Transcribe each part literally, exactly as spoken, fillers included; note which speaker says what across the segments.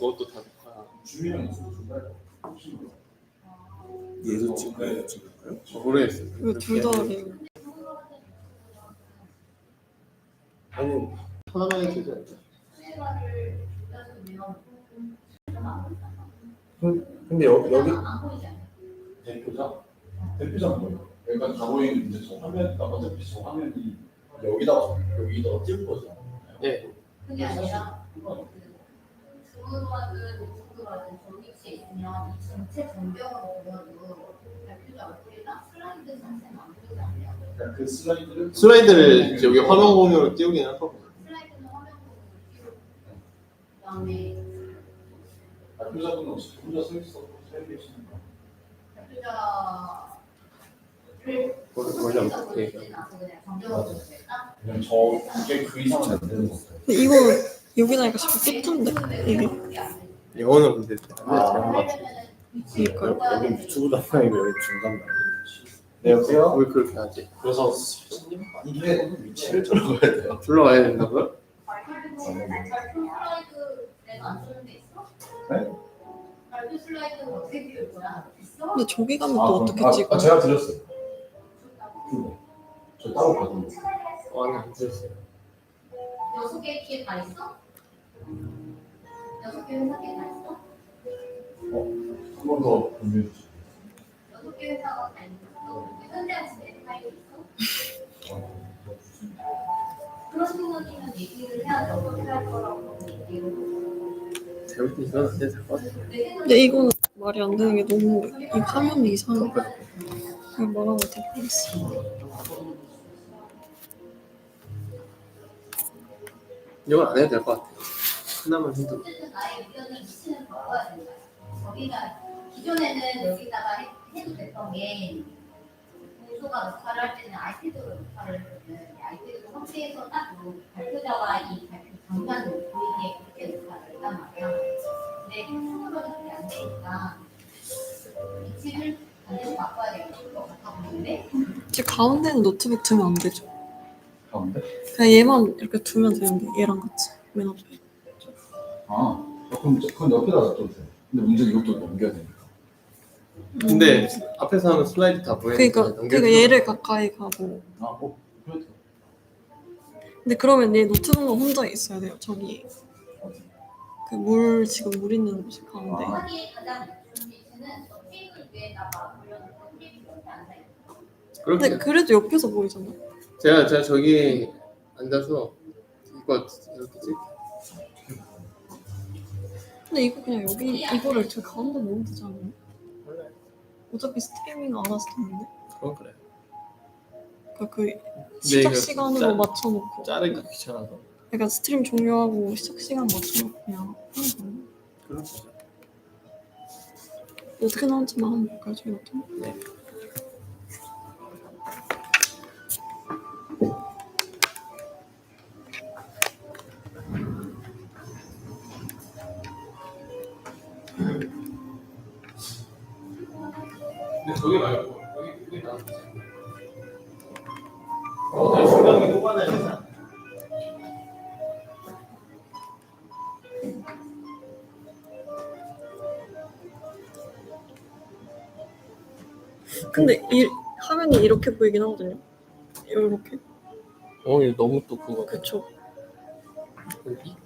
Speaker 1: 그것도 다 녹화.
Speaker 2: 얘도 찍어요? 찍을까요?
Speaker 1: 모르겠어요.
Speaker 3: 이거 둘다 그래요.
Speaker 1: 아니 하나만 켜져.
Speaker 2: 근데 여, 여기
Speaker 4: 대표자? 대표자는 뭐예요? 그러니까 다 보이는 이제 저 화면, 어차피 저 화면이 여기다가 여기다가 띄울 거죠.
Speaker 1: 네.
Speaker 5: 그게 아니라 주문하든 노트북하든 저기 위치에 있으면 이 전체 전경으로 보여도 발표자 얼굴이나 슬라이드 자체는 안 보이지 않나요?
Speaker 4: 그러니까 그 슬라이드를
Speaker 1: 슬라이드를 이제 여기 화면 공유로 띄우긴 할 거고.
Speaker 5: 슬라이드는 화면 공유로 띄우고 그다음에
Speaker 4: 발표자분은 혹시 혼자 서 있어 서 계시는 거?
Speaker 5: 발표자를
Speaker 1: 원래 어떻게
Speaker 5: 보여주지는 않고 그냥 전경으로 보여줄까?
Speaker 4: 그냥 저게 그 이상은 안 되는 거 같아요.
Speaker 3: 근데 이거 여기 나니까 자꾸 삐뚤데 이게.
Speaker 1: 영어는 근데
Speaker 4: 아.
Speaker 1: 잘안 맞죠.
Speaker 3: 그러니까요.
Speaker 2: 여기 유튜브 담당이고 여기 중간 나.
Speaker 4: 네, 여보세요?
Speaker 1: 왜 그렇게 하지?
Speaker 4: 그래서 선생님 이게 위치를 들어가야 돼요.
Speaker 1: 불러가야 된다고요?
Speaker 5: 발표 슬라이드 내가 안 쓰는 데 있어?
Speaker 4: 네?
Speaker 5: 발표 슬라이드는 어떻게 띄울 거야? 있어?
Speaker 3: 근데 저기 가면 또
Speaker 4: 아,
Speaker 3: 어떻게
Speaker 4: 아,
Speaker 3: 찍어?
Speaker 4: 아, 제가 드렸어요. 그거. 저 따로 받은 거.
Speaker 1: 어, 아니 안 됐어요.
Speaker 5: 여섯 개 키에 다 있어? 여섯 개 회사 키에 다 있어?
Speaker 4: 한 번 더 공유해 주세요.
Speaker 5: 여섯 개 회사가 다 있어? 현대한 집에 파일이 있어? 그런 부분이면 얘기를 해야죠. 어떻게 할 거라고 얘기를.
Speaker 1: 잘못 이건 안 돼서 될것 같아요.
Speaker 3: 근데 이거는 말이 안 되는 게 너무 이 화면이 이상해. 그냥 뭐라고 되겠어.
Speaker 1: 이건 안 해도 될 것 같아요. 하나만 해도.
Speaker 5: 어쨌든 나의 의견을 미치는 거야 된다. 거기가 기존에는 여기다가 해, 해도 됐던 게 공소가 녹화를 할 때는 아이패드로 녹화를 했거든. 아이패드 홈페이지에서 딱 그 발표자와 이 발표 장면 보이게 그렇게 녹화를 했단 말이야. 근데 손으로는 그게 안 되니까 위치를 반드시 바꿔야 될 것 같아 보이는데
Speaker 3: 지금 가운데는 노트북 두면 안 되죠.
Speaker 4: 가운데?
Speaker 3: 그냥 얘만 이렇게 두면 되는데 얘랑 같이 맨 앞에.
Speaker 4: 아, 그럼 그건 옆에다 놔둬도 돼요. 근데 문제는 이것도 넘겨야 되니까.
Speaker 1: 근데 앞에서 하면 슬라이드 다 보이는데.
Speaker 3: 그러니까 그러니까 얘를 가까이 가고.
Speaker 4: 아, 어, 그래도
Speaker 3: 근데 그러면 얘 노트북만 혼자 있어야 돼요. 저기 그 물 지금 물 있는 곳 가운데.
Speaker 4: 아.
Speaker 5: 하기에 가장 좋은 위치는 저 테이블 위에다가 올려놓고 테이블 옆에 앉아있는
Speaker 3: 근데
Speaker 1: 그렇게.
Speaker 3: 그래도 옆에서 보이잖아.
Speaker 1: 제가 제가 저기 앉아서 이거 이렇게 찍.
Speaker 3: 근데 이거 그냥 여기 이거를 저 가운데 놓으면 되지 않아요?
Speaker 1: 원래
Speaker 3: 어차피 스트리밍 안 와서 되는데.
Speaker 1: 그건 그래.
Speaker 3: 그러니까 그 시작
Speaker 1: 이거
Speaker 3: 시간으로
Speaker 1: 짜-
Speaker 3: 맞춰놓고.
Speaker 1: 자르기 귀찮아서.
Speaker 3: 그러니까 스트림 종료하고 시작 시간 맞춰놓고 그냥 하는 거예요.
Speaker 1: 그런 거죠.
Speaker 3: 어떻게 나온지만 한번 볼까요, 저희 같은 거?
Speaker 1: 네. 근데 저기 말고 여기 여기 나. 어, 중간에 뽑아내야 되나?
Speaker 3: 근데 이 화면이 이렇게 보이긴 하거든요. 이렇게.
Speaker 1: 어, 이거 너무 또 그거.
Speaker 3: 그쵸.
Speaker 1: 여기.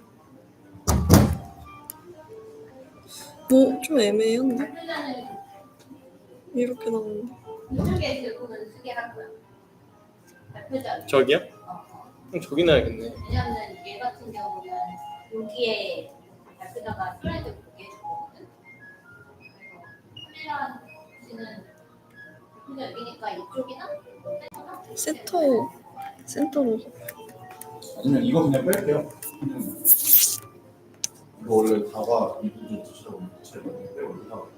Speaker 3: 뭐 좀 애매한데?
Speaker 5: 발표자는
Speaker 3: 이렇게 나오는데.
Speaker 5: 이쪽에 들고는 쓰게 할 거야. 발표자.
Speaker 1: 저기요?
Speaker 5: 어, 어.
Speaker 1: 그럼 저기 놔야겠네.
Speaker 5: 왜냐면 얘 같은 경우는 여기에 발표자가 슬라이드 보게 해줄 거거든. 그래서 카메라 씨는 발표자 여기니까 이쪽이나
Speaker 3: 센터 센터로.
Speaker 4: 아니면 이거 그냥 뺄게요. 그냥 이거 원래 다가 이 부분 두시라고 제가 그냥 빼고 올라가.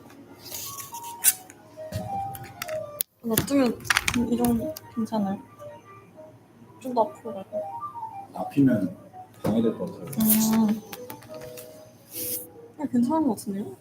Speaker 3: 놔두면 이 정도 괜찮아요. 좀 더 앞으로 갈까요?
Speaker 4: 앞이면 방해될 것 같아요.
Speaker 3: 음. 그냥 괜찮은 것 같은데요?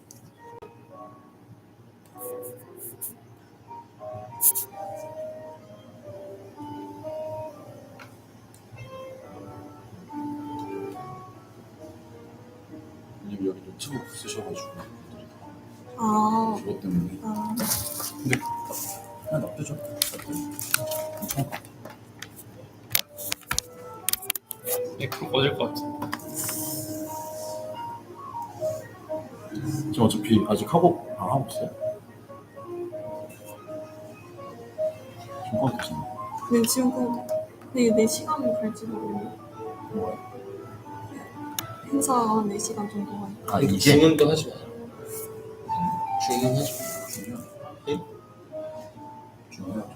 Speaker 4: 아니면 여기 노트북 쓰셔가지고
Speaker 3: 아,
Speaker 4: 그것 때문에
Speaker 3: 아
Speaker 4: 근데 그냥 놔두죠. 괜찮을 것 같아.
Speaker 1: 네, 그럼 꺼질 것 같아.
Speaker 4: 지금 어차피 아직 하고 안 하고 있어요. 지금 하고 계시나요?
Speaker 3: 네, 지금 그 네, 네 시간을 갈지 모르겠네요.
Speaker 4: 뭐요?
Speaker 3: 행사 한 네 시간 정도가 있고.
Speaker 4: 아
Speaker 1: 근데
Speaker 4: 이제
Speaker 1: 주문도 하지 마. 주문하지 마.
Speaker 4: 중요하죠.
Speaker 1: 예?
Speaker 4: 중요하죠.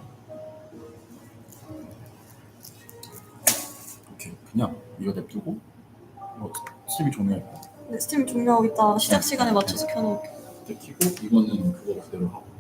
Speaker 4: 오케이 그냥 이거 냅두고 뭐 스팀이 종료할까?
Speaker 3: 네, 스팀 종료하고 있다 시작 시간에 맞춰서 켜놓을게요.
Speaker 4: 이제 키고 이거는 그거 그대로 하고